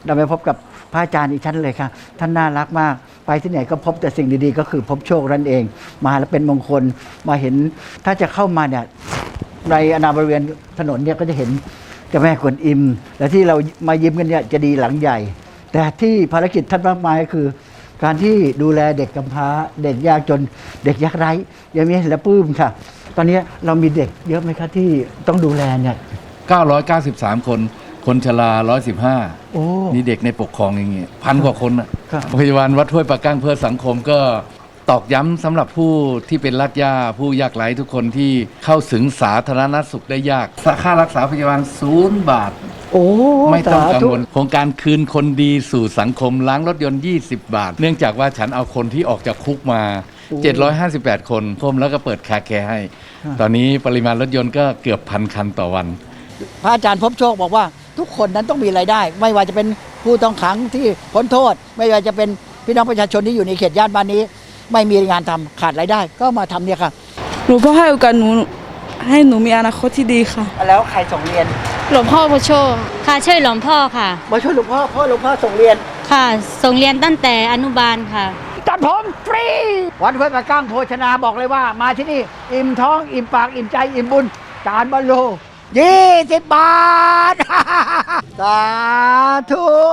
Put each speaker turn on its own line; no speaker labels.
เราไปพบกับพระอาจารย์อีกท่านเลยค่ะท่านน่ารักมากไปที่ไหนก็พบแต่สิ่งดีๆก็คือพบโชคนั่นเองมาแล้วเป็นมงคลมาเห็นถ้าจะเข้ามาเนี่ยในอนาบริเวณถนนเนี่ยก็จะเห็นเจ้าแม่กวนอิมและที่เรามายิ้มกันเนี่ยจะดีหลังใหญ่แต่ที่ภารกิจท่านมากมายก็คือการที่ดูแลเด็กกำพร้าเด็กยากจนเด็กยากไร้ยังมีเห็นแล้วปลื้มค่ะตอนนี้เรามีเด็กเยอะไหมคะที่ต้องดูแลเนี่ย
993 คนคนชรา115นี่เด็กในปกครองอย่างเงี้ย1,000 กว่าคนอ่ะโรงพยาบาลวัดห้วยปะกั้งเพื่อสังคมก็ตอกย้ำสำหรับผู้ที่เป็นรากหญ้าผู้ยากไร้ทุกคนที่เข้าถึงสาธารณสุขได้ยากค่ารักษาพยาบาล0 บาทไม่ต้องกังวลโครงการคืนคนดีสู่สังคมล้างรถยนต์20 บาทเนื่องจากว่าฉันเอาคนที่ออกจากคุกมา758 คนพมแล้วก็เปิดคาแคร์ให้ตอนนี้ปริมาณรถยนต์ก็เกือบ1,000 คันต่อวัน
พระอาจารย์พบโชคบอกว่าทุกคนนั้นต้องมีรายได้ไม่ว่าจะเป็นผู้ต้องขังที่พ้นโทษไม่ว่าจะเป็นพี่น้องประชาชนที่อยู่ในเขตย่านบ้านนี้ไม่มีงานทำขาดรายได้ก็มาทำเนี่ยค่ะ
หลวงพ่อให้โอกาสหนูให้หนูมีอนาคตที่ดีค่ะ
แล้วใครส่งเรียน
หลวงพ่อมาช่วย
ค่ะช่วยหลวงพ่อค่ะ
มาช่วยหลวงพ่อหลวงพ่อส่งเรียน
ค่ะส่งเรียนตั้งแต่อนุบาลค่ะ
ตัดผมฟรีวัดห้วยปะกั้งโภชนาบอกเลยว่ามาที่นี่อิ่มท้องอิ่มปากอิ่มใจอิ่มบุญจานบรรลุ20 บาท สาธุ